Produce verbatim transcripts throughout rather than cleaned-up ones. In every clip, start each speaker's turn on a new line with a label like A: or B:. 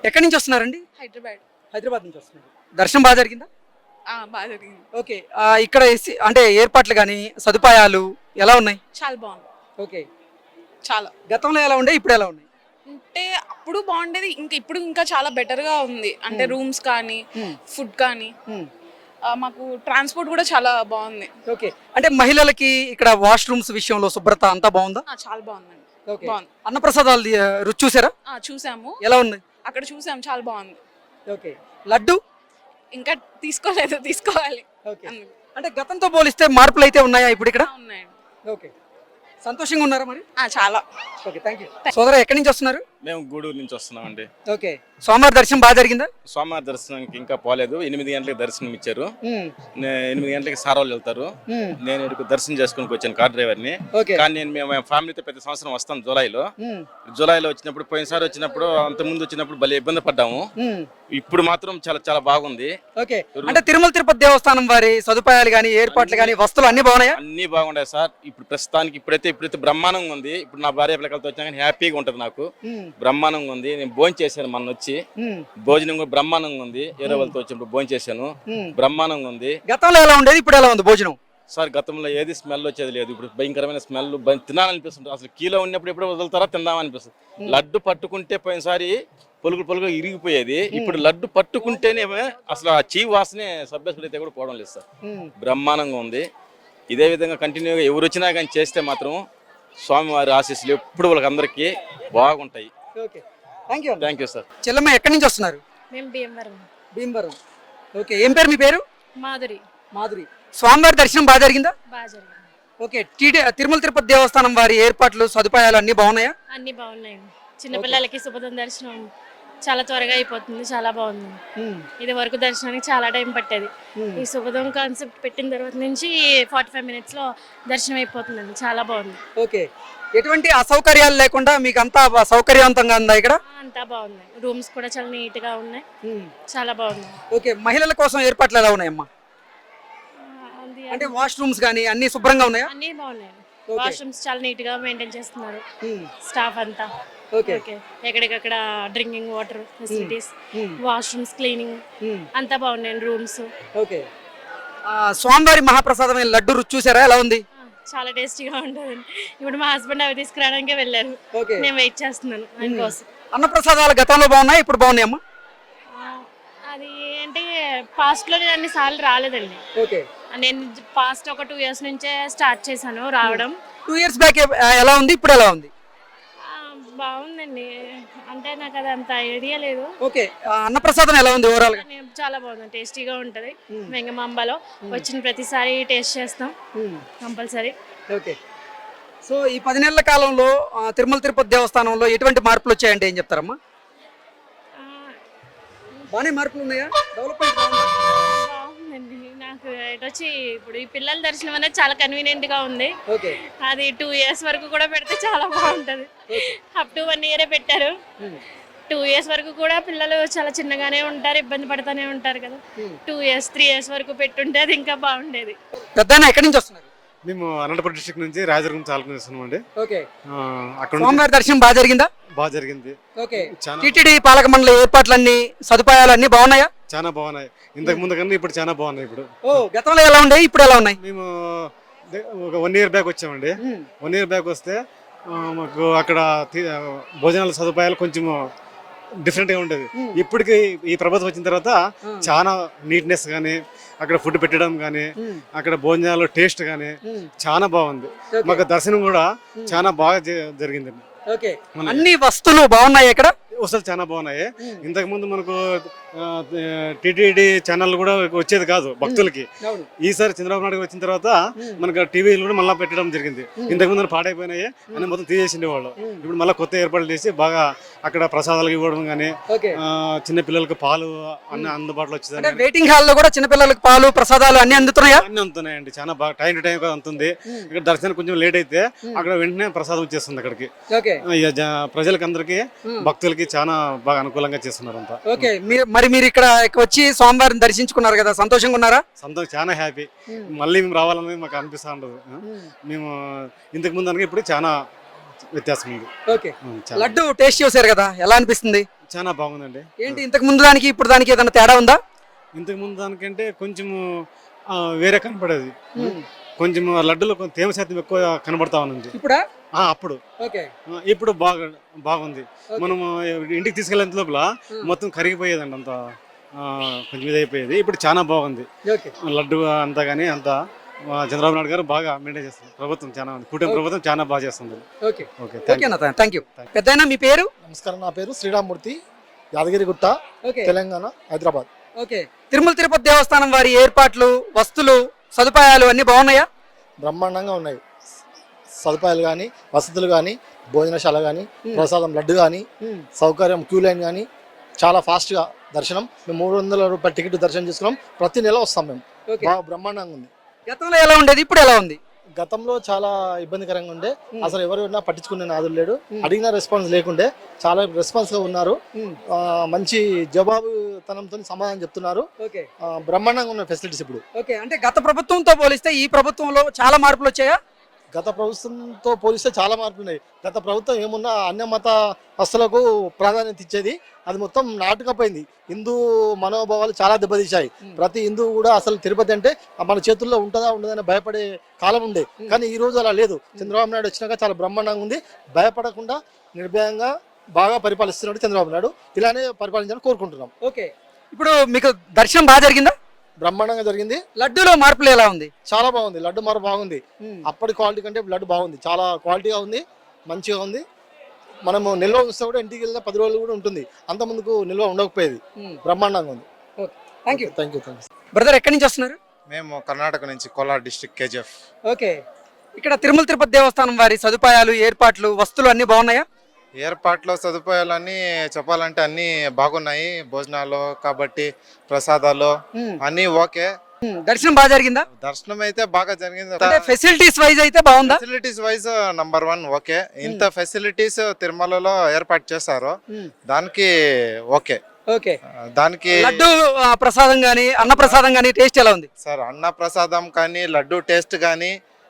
A: ఎక్కడి నుంచి వస్తున్నారండి?
B: హైదరాబాద్.
A: హైదరాబాద్ నుంచి వస్తున్నారు. దర్శనం బాగా జరిగిందా?
B: ఆ బాగా జరిగింది.
A: ఓకే. ఇక్కడ ఏసి- అంటే ఏర్పాట్లు కానీ సదుపాయాలు ఎలా ఉన్నాయి?
B: చాలా బాగుంది.
A: ఓకే.
B: చాలా
A: గతంలో ఎలా ఉండే, ఇప్పుడు ఎలా ఉన్నాయి?
B: అంటే అప్పుడు బాగుండేది, ఇంకా ఇప్పుడు ఇంకా చాలా బెటర్ గా ఉంది. అంటే రూమ్స్ కానీ ఫుడ్ కానీ
A: మ్మ్.
B: ఆ, మాకు ట్రాన్స్పోర్ట్ కూడా చాలా బాగుంది.
A: ఓకే. అంటే మహిళలకి ఇక్కడ వాష్రూమ్స్ విషయంలో శుభ్రత అంతా బాగుందా?
B: ఆ, చాలా బాగుందండి.
A: ఓకే.
B: బాగుంది.
A: అన్నప్రసాదాలు ఆ, రుచి చూసారా?
B: ఆ, చూసాము.
A: ఎలా ఉంది?
B: అక్కడ చూసాము, చాలా బాగుంది.
A: ఓకే. లడ్డు
B: ఇంకా తీసుకోలేదు, తీసుకోవాలి.
A: ఓకే. అంటే గతంతో పోలిస్తే మార్పులు అయితే ఉన్నాయా ఇప్పుడు ఇక్కడ?
B: ఆ, ఉన్నాయండి.
A: ఓకే. సంతోషంగా ఉన్నారా మరి?
B: ఆ, చాలా.
A: Okay, thank you. సోదరా, ఎక్కడి నుంచి వస్తున్నారు?
C: మేము గూడూరు నుంచి వస్తున్నామండి.
A: ఓకే. సోమవారం దర్శనం బాగా జరిగిందా?
C: స్వామివారి దర్శనానికి ఇంకా పోలేదు. ఎనిమిది గంటలకు దర్శనం ఇచ్చారు.
A: మ్మ్.
C: నే- ఎనిమిది గంటలకి సార్ వాళ్ళు వెళ్తారు.
A: మ్మ్.
C: నేను ఇక్కడికి దర్శనం చేసుకుని వచ్చాను కార్ డ్రైవర్ని.
A: ఓకే.
C: కానీ నేను మేము ఫ్యామిలీతో ప్రతి సంవత్సరం వస్తాం జూలైలో.
A: మ్మ్.
C: జూలైలో వచ్చినప్పుడు పోయినసారి వచ్చినప్పుడు అంత ముందు వచ్చినప్పుడు భలే ఇబ్బంది పడ్డాము.
A: మ్మ్.
C: ఇప్పుడు మాత్రం చాలా చాలా బాగుంది.
A: ఓకే. అంటే తిరుమల తిరుపతి దేవస్థానం వారి సదుపాయాలు కానీ ఏర్పాట్లు కానీ వస్తువులు అన్ని బాగున్నాయా?
C: అన్ని బాగుంటాయి సార్. ఇప్పుడు ప్రస్తుతానికి ఇప్పుడైతే ఇప్పుడైతే బ్రహ్మాండంగా ఉంది. ఇప్పుడు నా భార్య పిల్లలతో వచ్చా కానీ హ్యాపీగా ఉంటుంది నాకు.
A: మ్మ్.
C: బ్రహ్మాండంగా ఉంది. నేను భోజనం చేశాను మొన్న వచ్చి.
A: మ్మ్.
C: భోజనం కూడా బ్రహ్మాండంగా ఉంది. ఏరో వాళ్ళతో వచ్చినప్పుడు భోజనం చేశాను.
A: మ్మ్.
C: బ్రహ్మాండంగా ఉంది.
A: గతంలో ఎలా ఉండేది, ఇప్పుడు ఎలా ఉంది భోజనం?
C: సార్ గతంలో ఏది స్మెల్ వచ్చేది లేదు. ఇప్పుడు భయంకరమైన స్మెల్ తినాలనిపిస్తుంది. అసలు కీలో ఉన్నప్పుడు ఎప్పుడు వదులుతారా తిందామనిపిస్తుంది. లడ్డు పట్టుకుంటే పోయినసారి పొలుగులు పొలుగు ఇరిగిపోయేది. ఇప్పుడు లడ్డు పట్టుకుంటేనే అసలు ఆ చీ వాసనే సభ్యసుడు అయితే కూడా పోవడం లేదు సార్.
A: మ్మ్.
C: బ్రహ్మాండంగా ఉంది. ఇదే విధంగా కంటిన్యూగా ఎవరు వచ్చినా కానీ చేస్తే మాత్రం స్వామివారి ఆశీస్సులు ఎప్పుడు వాళ్ళకి అందరికీ బాగుంటాయి.
A: Okay, thank you.
C: Thank you sir.
A: Chellamma, ఎక్కడి నుంచి వస్తున్నారు?
D: మేము భీమవరం.
A: భీమవరం. ఓకే. ఏం పేరు మీ పేరు?
D: మాధురి.
A: మాధురి. స్వామివారి దర్శనం బాగా జరిగిందా?
D: బాగా జరిగింది.
A: ఓకే. టీటీ తిరుమల తిరుపతి దేవస్థానం వారి ఏర్పాట్లు సదుపాయాలు అన్ని బాగున్నాయా?
D: అన్ని బాగున్నాయి. చిన్నపిల్లలకి శుభదం దర్శనం చాలా త్వరగా అయిపోతుంది, చాలా బాగుంది.
A: మ్మ్.
D: ఇది వరకు దర్శనానికి చాలా టైం పట్టేది.
A: మ్మ్.
D: ఈ శుభదం కాన్సెప్ట్ పెట్టిన తర్వాత నుంచి ఫార్టీ ఫైవ్ మినిట్స్లో దర్శనం అయిపోతుందండి, చాలా బాగుంది.
A: ఓకే. ఎటువంటి అసౌకర్యాలు లేకుండా మీకు అంతా సౌకర్యవంతంగా ఉందా ఇక్కడ?
D: ఆ, అంతా బాగుంది. రూమ్స్ కూడా చాలా నీట్గా ఉన్నాయి,
A: మ్మ్.
D: చాలా బాగుంది.
A: ఓకే. మహిళల కోసం ఏర్పాట్లు ఎలా ఉన్నాయమ్మా?
D: ఆ, అది
A: అంటే వాష్రూమ్స్ కానీ అన్ని శుభ్రంగా ఉన్నాయా?
D: అన్నీ బాగున్నాయి.
A: ఓకే.
D: వాష్రూమ్స్ చాలా నీట్గా మెయింటైన్ చేస్తున్నారు
A: మ్మ్.
D: స్టాఫ్ అంతా.
A: ఓకే.
D: ఓకే. ఎక్కడికక్కడ డ్రింకింగ్ వాటర్ ఫెసిలిటీస్,
A: మ్మ్.
D: వాష్రూమ్స్ క్లీనింగ్
A: మ్మ్.
D: అంతా బాగున్నాయి. Rooms
A: okay. ఆ, స్వామివారి మహాప్రసాదమైన లడ్డు రుచి చూసారా, ఎలా ఉంది?
D: చాలా టేస్టీగా ఉంటుందండి. ఇప్పుడు మా హస్బెండ్ అవి తీసుకురావడానికే వెళ్ళారు.
A: ఓకే.
D: నేను వెయిట్ చేస్తున్నాను ఆయన కోసం.
A: అన్నప్రసాదాలు గతంలో బాగున్నాయి, ఇప్పుడు బాగున్నాయమ్మా?
D: ఆ, అది ఏంటి, పాస్ట్లో నేను అన్ని సార్లు రాలేదండి.
A: ఓకే.
D: నేను పాస్ట్ ఒక టూ ఇయర్స్ నుంచే స్టార్ట్ చేశాను రావడం.
A: టూ ఇయర్స్ బ్యాక్ ఎలా ఉంది, ఇప్పుడు ఎలా ఉంది?
D: ఆ, బాగుందండి. అంటే నాకు అది అంత ఐడియా లేదు.
A: ఓకే. ఆ, అన్నప్రసాదం ఎలా ఉంది ఓవరాల్ గా?
D: కానీ చాలా బాగుంది, టేస్టీగా ఉంటుంది. వెంగమాంబలో వచ్చిన ప్రతిసారి టేస్ట్ చేస్తాం కంపల్సరీ.
A: ఓకే. సో ఈ పది నెలల కాలంలో ఆ, తిరుమల తిరుపతి దేవస్థానంలో ఎటువంటి మార్పులు వచ్చాయంటే ఏం చెప్తారమ్మా? బాగానే మార్పులు ఉన్నాయా? డెవలప్మెంట్ బాగుందా?
D: బాగుందండి. నాకు ఇటు వచ్చి ఇప్పుడు ఈ పిల్లల దర్శనం అనేది చాలా కన్వీనియంట్ గా ఉంది.
A: ఓకే.
D: అది టూ ఇయర్స్ వరకు కూడా పెడితే చాలా బాగుంటుంది. అప్ టు వన్ ఇయరే పెట్టారు. టూ ఇయర్స్ వరకు కూడా పిల్లలు చాలా చిన్నగానే ఉంటారు, ఇబ్బంది పడుతూనే ఉంటారు కదా. టూ ఇయర్స్ త్రీ ఇయర్స్ వరకు పెట్టుంటే అది ఇంకా బాగుండేది.
A: పెద్దనా ఎక్కడి నుంచి వస్తున్నారు?
E: మేము అనంతపురం డిస్ట్రిక్ట్ నుంచి రాజదుర్గం చాలకం చేస్తున్నాం అండి.
A: ఓకే.
E: అక్కడ
A: స్వామివారి దర్శనం బాగా జరిగిందా?
E: బాగా జరిగింది.
A: ఓకే.
E: చాలా
A: టీటీడీ పాలక మండలి ఏర్పాట్లన్నీ సదుపాయాలు అన్ని బాగున్నాయా?
E: చాలా బాగున్నాయి. ఇంతకు ముందు కన్నా ఇప్పుడు చాలా బాగున్నాయి. ఇప్పుడు
A: ఓ, గతంలో ఎలా ఉండే, ఇప్పుడు ఎలా ఉన్నాయి?
E: మేము దే- ఒక వన్ ఇయర్ బ్యాక్ వచ్చామండి. వన్ ఇయర్ బ్యాక్ వస్తే ఆ, మాకు అక్కడ తి- భోజనాల సదుపాయాలు కొంచెం డిఫరెంట్గా ఉండేది. ఇప్పటికి ఈ ప్రభుత్వం వచ్చిన తర్వాత చాలా నీట్నెస్ కానీ, అక్కడ ఫుడ్ పెట్టడం కానీ, అక్కడ భోజనాలు టేస్ట్ కానీ చాలా బాగుంది. మాకు దర్శనం కూడా చాలా బాగా జ- జరిగిందండి.
A: ఓకే. అన్ని వస్తువులు బాగున్నాయి ఇక్కడ?
E: వసతులు చాలా బాగున్నాయి. ఇంతకు ముందు మనకు టీటీడీ ఛానల్ కూడా వచ్చేది కాదు భక్తులకి. ఈసారి చంద్రబాబు నాయుడు వచ్చిన తర్వాత మనకు టీవీలు కూడా మళ్ళీ పెట్టడం జరిగింది. ఇంతకు ముందు పాడైపోయినాయి అని మొత్తం తీసేసిండే వాళ్ళు. ఇప్పుడు మళ్ళీ కొత్త ఏర్పాట్లు చేసి బాగా అక్కడ ప్రసాదాలు ఇవ్వడం కానీ, చిన్న పిల్లలకు పాలు అన్ని అందుబాటులో వచ్చేది.
A: వెయిటింగ్ హాల్ లో కూడా చిన్నపిల్లలకు పాలు ప్రసాదాలు అన్ని అందుతున్నాయా?
E: అన్ని అందుతున్నాయండి. చాలా బాగా టైం టు టైం అందుతుంది. ఇక్కడ దర్శనం కొంచెం లేట్ అయితే అక్కడ వెంటనే ప్రసాదం వచ్చేస్తుంది అక్కడికి. ప్రజలకి అందరికి భక్తులకి చాలా బాగా అనుకూలంగా చేస్తున్నారు అంతా.
A: ఓకే. మరి మీరు ఇక్కడ వచ్చి స్వామివారిని దర్శించుకున్నారు కదా, సంతోషంగా ఉన్నారా?
E: సంతోషం, చాలా హ్యాపీ. మళ్ళీ మేము రావాలని మాకు అనిపిస్తూ ఉండదు. మేము ఇంతకు ముందు అనగా ఇప్పుడు చాలా వ్యత్యాసం ఉంది.
A: ఓకే. లడ్డు టేస్ట్ చేశారు కదా, ఎలా అనిపిస్తుంది?
E: చాలా బాగుందండి.
A: ఏంటి ఇంతకు ముందు దానికి ఇప్పుడు దానికి ఏదైనా తేడా ఉందా?
E: ఇంతకు ముందు దానికంటే కొంచెము ఆ, వేరే కనపడేది. కొంచెం లడ్డులో కొంచెం తేమ శాతం ఎక్కువ కనబడతా ఉంది.
A: ఇప్పుడా?
E: ఆ, అప్పుడు
A: ఓకే.
E: ఆ, ఇప్పుడు బాగా బాగుంది. మనము ఇంటికి తీసుకెళ్ళేంత లోపల మొత్తం కరిగిపోయేదండి, అంత ఆ, కొంచెం ఇది అయిపోయేది. ఇప్పుడు చాలా బాగుంది
A: ఓకే.
E: లడ్డు అంతా కానీ అంతా ఆ, చంద్రబాబు నాయుడు గారు బాగా మెయింటైన్ చేస్తారు. ప్రభుత్వం చాలా ఉంది, కూటమి ప్రభుత్వం చాలా బాగా చేస్తుంది.
A: ఓకే
E: ఓకే,
A: ఓకే అన్న, థ్యాంక్ యూ. పెద్దయినా మీ పేరు?
F: నమస్కారం, నా పేరు శ్రీరామ్మూర్తి, యాదగిరిగుట్ట,
A: ఓకే
F: తెలంగాణ, హైదరాబాద్.
A: ఓకే. తిరుమల తిరుపతి దేవస్థానం వారి ఏర్పాట్లు, వస్తువులు, సదుపాయాలు అన్ని బాగున్నాయా?
F: బ్రహ్మాండంగా ఉన్నాయి. సదుపాయాలు కానీ, వసతులు కానీ, భోజనశాల కానీ, ప్రసాదం లడ్డు కానీ, సౌకర్యం క్యూ లైన్ కానీ, చాలా ఫాస్ట్గా దర్శనం. మేము మూడు వందల రూపాయల టికెట్ దర్శనం చేసుకున్నాం. ప్రతి నెల వస్తాం మేము. బాగా బ్రహ్మాండంగా ఉంది.
A: గతంలో ఎలా ఉండేది, ఇప్పుడు ఎలా ఉంది?
F: గతంలో చాలా ఇబ్బందికరంగా ఉండే, అసలు ఎవరైనా పట్టించుకునే నాదులు లేడు, అడిగిన రెస్పాన్స్ లేకుండే. చాలా రెస్పాన్స్ గా ఉన్నారు, ఆ, మంచి జవాబుతనంతో సమాధానం చెప్తున్నారు.
A: ఓకే.
F: ఆ, బ్రహ్మాండంగా ఉన్న ఫెసిలిటీస్ ఇప్పుడు.
A: ఓకే, అంటే గత ప్రభుత్వంతో పోలిస్తే ఈ ప్రభుత్వంలో చాలా మార్పులు వచ్చాయా?
F: గత ప్రభుత్వంతో పోలిస్తే చాలా మార్పులు ఉన్నాయి. గత ప్రభుత్వం ఏమున్నా అన్య మత హస్తులకు ప్రాధాన్యత ఇచ్చేది, అది మొత్తం నాటుకపోయింది. హిందూ మనోభావాలు చాలా దెబ్బతీశాయి. ప్రతి హిందూ కూడా అసలు తిరుపతి అంటే మన చేతుల్లో ఉంటుందా ఉండదని భయపడే కాలం ఉండే, కానీ ఈ రోజు అలా లేదు. చంద్రబాబు నాయుడు వచ్చినాక చాలా బ్రహ్మాండంగా ఉంది. భయపడకుండా నిర్భయంగా బాగా పరిపాలిస్తున్నాడు చంద్రబాబు నాయుడు. ఇలానే పరిపాలించాలని కోరుకుంటున్నాం.
A: ఓకే. ఇప్పుడు మీకు దర్శనం బాగా జరిగిందా?
F: బ్రహ్మాండంగా జరిగింది.
A: లడ్డూలో మార్పులు ఎలా ఉంది?
F: చాలా బాగుంది. లడ్డు మారు బాగుంది. అప్పటి క్వాలిటీ కంటే లడ్డు బాగుంది, చాలా క్వాలిటీగా ఉంది, మంచిగా ఉంది. మనము నిల్వ ఉంచితే కూడా ఇంటికి వెళ్ళిన పది రోజులు కూడా ఉంటుంది, అంత ముందుకు నిల్వ ఉండకపోయేది. బ్రహ్మాండంగా ఉంది.
A: Thank you.
F: Thank you thank you
A: brother, ఎక్కడి నుంచి వస్తున్నారు?
G: మేము కర్ణాటక నుంచి కోలార్ డిస్ట్రిక్ట్ కేజీఎఫ్.
A: ఓకే. ఇక్కడ తిరుమల తిరుపతి దేవస్థానం వారి సదుపాయాలు, ఏర్పాట్లు, వస్తువులు అన్ని బాగున్నాయా?
G: ఏర్పాట్లో సదుపాయాలన్నీ చెప్పాలంటే అన్నీ బాగున్నాయి. భోజనాలు కాబట్టి ప్రసాదాలు అన్నీ ఓకే.
A: దర్శనం బాగా జరిగిందా?
G: దర్శనం అయితే బాగా జరిగింది.
A: అంటే ఫెసిలిటీస్ వైజ్ అయితే బాగుందా?
G: Facilities wise number one okay. ఇంత ఫెసిలిటీస్ తిరుమలలో ఏర్పాటు చేశారు, దానికి ఓకే.
A: ఓకే.
G: దానికి
A: లడ్డు ఆ, ప్రసాదం గానీ అన్న ప్రసాదం గానీ టేస్ట్ ఎలా ఉంది?
G: సార్ అన్న ప్రసాదం కానీ లడ్డు టేస్ట్ కానీ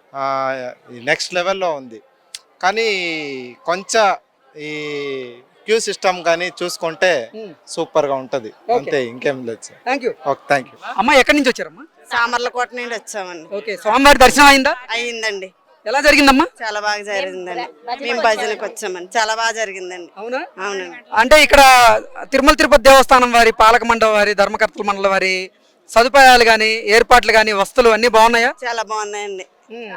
G: నెక్స్ట్ లెవెల్లో ఉంది. కానీ కొంచెం ఈ క్యూ సిస్టమ్ కానీ చూసుకుంటే సూపర్ గా ఉంటది, అంతే, ఇంకేం లేదు sir.
A: Thank you.
G: Okay, thank you.
A: అమ్మ, ఎక్కడి నుంచి వచ్చారమ్మా?
H: సామర్లకోట నుండి వచ్చామండి.
A: ఓకే. స్వామివారి దర్శనం అయిందా?
H: అయిందండి.
A: ఎలా జరిగిందమ్మా?
H: చాలా బాగా జరిగిందండి. మేము భజనకు వచ్చామండి, చాలా బాగా జరిగిందండి.
A: అవునా?
H: అవునండి.
A: అంటే ఇక్కడ తిరుమల తిరుపతి దేవస్థానం వారి, పాలక మండలి వారి, ధర్మకర్తల మండలి వారి సదుపాయాలు గానీ, ఏర్పాట్లు గానీ, వస్తువులు అన్ని బాగున్నాయా?
H: చాలా బాగున్నాయండి,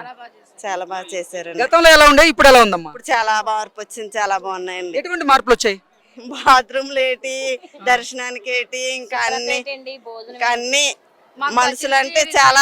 H: చాలా బాగా చేశారండి.
A: గతంలో ఎలా ఉండే, ఇప్పుడు ఎలా ఉందమ్మా?
H: ఇప్పుడు చాలా మార్పు వచ్చింది, చాలా బాగున్నాయండి.
A: ఎటువంటి మార్పులు వచ్చాయి?
H: బాత్రూమ్లు ఏంటి, దర్శనానికి ఏంటి, ఇంకా అన్ని ఇంకా అన్ని మనుషులు అంటే చాలా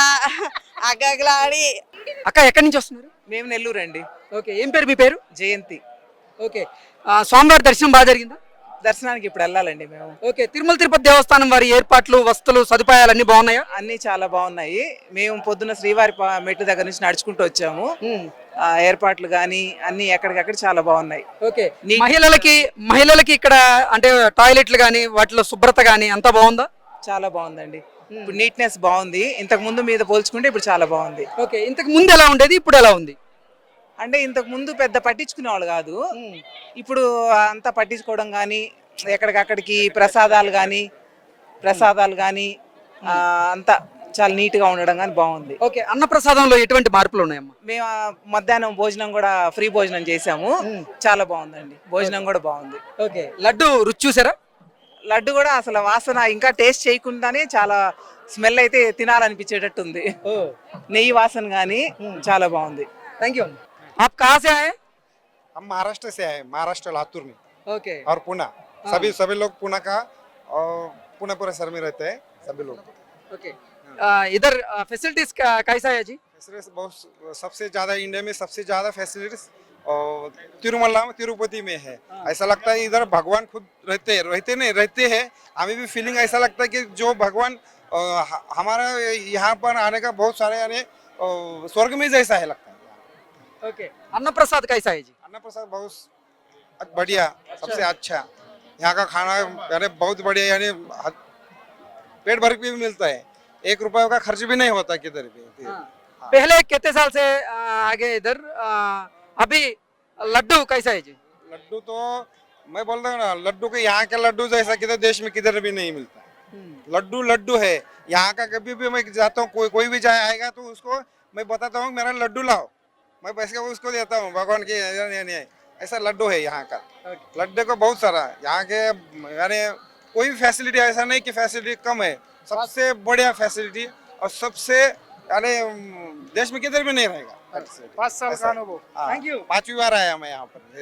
H: అగగలాడి.
A: అక్క, ఎక్కడి నుంచి వస్తున్నారు?
I: మేము నెల్లూరు అండి.
A: ఓకే. ఏం పేరు మీ పేరు?
I: జయంతి.
A: ఓకే. ఆ, స్వామివారి దర్శనం బాగా జరిగిందా?
I: దర్శనానికి ఇప్పుడు వెళ్ళాలండి మేము.
A: ఓకే. తిరుమల తిరుపతి దేవస్థానం వారి ఏర్పాట్లు, వస్తువులు, సదుపాయాలు అన్ని బాగున్నాయా?
I: అన్ని చాలా బాగున్నాయి. మేము పొద్దున్న శ్రీవారి పా- మెట్టు దగ్గర నుంచి నడుచుకుంటూ వచ్చాము. ఆ, ఏర్పాట్లు కానీ అన్ని ఎక్కడికక్కడ చాలా బాగున్నాయి.
A: ఓకే.
I: నీ-
A: మహిళలకి మహిళలకి ఇక్కడ అంటే టాయిలెట్లు కానీ వాటిలో శుభ్రత కానీ అంతా బాగుందా?
I: చాలా బాగుందండి. ఇప్పుడు నీట్నెస్ బాగుంది, ఇంతకు ముందు మీద పోల్చుకుంటే ఇప్పుడు చాలా బాగుంది.
A: ఓకే. ఇంతకు ముందు ఎలా ఉండేది, ఇప్పుడు ఎలా ఉంది?
I: అంటే ఇంతకు ముందు పెద్ద పట్టించుకునే వాళ్ళు కాదు, ఇప్పుడు అంతా పట్టించుకోవడం కానీ, ఎక్కడికక్కడికి ప్రసాదాలు కానీ ప్రసాదాలు కానీ అంతా చాలా నీట్ గా ఉండడం కానీ బాగుంది.
A: ఓకే. అన్న ప్రసాదంలో ఎటువంటి మార్పులు ఉన్నాయమ్మా?
I: మేము ఆ మధ్యాహ్నం భోజనం కూడా ఫ్రీ భోజనం చేసాము, చాలా బాగుందండి. భోజనం కూడా బాగుంది.
A: ఓకే. లడ్డు రుచి చూసారా?
I: లడ్డు కూడా అసలు వాసన ఇంకా టేస్ట్ చేయకుండానే చాలా స్మెల్ అయితే తినాలనిపించేటట్టు ఉంది. నెయ్యి వాసన కానీ చాలా బాగుంది.
A: Thank you. आप कहाँ से आए?
J: हम महाराष्ट्र से आए, महाराष्ट्र लातूर में,
A: ओके.
J: और पुणे. सभी सभी लोग पुणे का और पुणे पूरे शहर में रहते हैं सभी लोग.
A: ओके. आ, इधर फैसिलिटीज कैसा है जी?
J: फैसिलिटीज बहुत, सबसे ज्यादा इंडिया में सबसे ज्यादा फैसिलिटीज तिरुमला में, तिरुपति में है. ऐसा लगता है इधर भगवान खुद रहते हैं, रहते नहीं रहते हैं. हमें भी फीलिंग ऐसा लगता है कि जो भगवान अ, हमारा यहाँ पर आने का बहुत सारे यानी स्वर्ग में जैसा है लगता है.
A: ओके. अन्न प्रसाद कैसा है जी?
J: अन्न प्रसाद बहुत बढ़िया, सबसे अच्छा. यहाँ का खाना यानी बहुत बढ़िया, यानी पेट भर के भी मिलता है, एक रुपए का खर्च भी नहीं होता किधर भी.
A: हाँ. पहले कितने साल से आ, आगे इधर आ, अभी लड्डू कैसा है जी?
J: लड्डू तो मैं बोलता हूँ ना, लड्डू के यहाँ का लड्डू जैसा किधर देश में किधर भी नहीं मिलता। लड्डू लड्डू है यहाँ का। कभी भी मैं जाता हूँ, कोई कोई भी जाए आएगा तो उसको मैं बताता हूँ मेरा लड्डू लाओ, मैं पैसे उसको देता हूँ भगवान के। नहीं, नहीं, ऐसा लड्डू है यहाँ का। लड्डू को बहुत सारा यहाँ के, यानी कोई भी फैसिलिटी ऐसा नहीं कि फैसिलिटी कम है, सबसे बढ़िया फैसिलिटी और सबसे, यानी देश में किधर भी नहीं रहेगा।
A: पाँच साल का अनुभव।
J: हाँ,
A: थैंक यू।
J: पांचवी बार आया मैं यहाँ पर।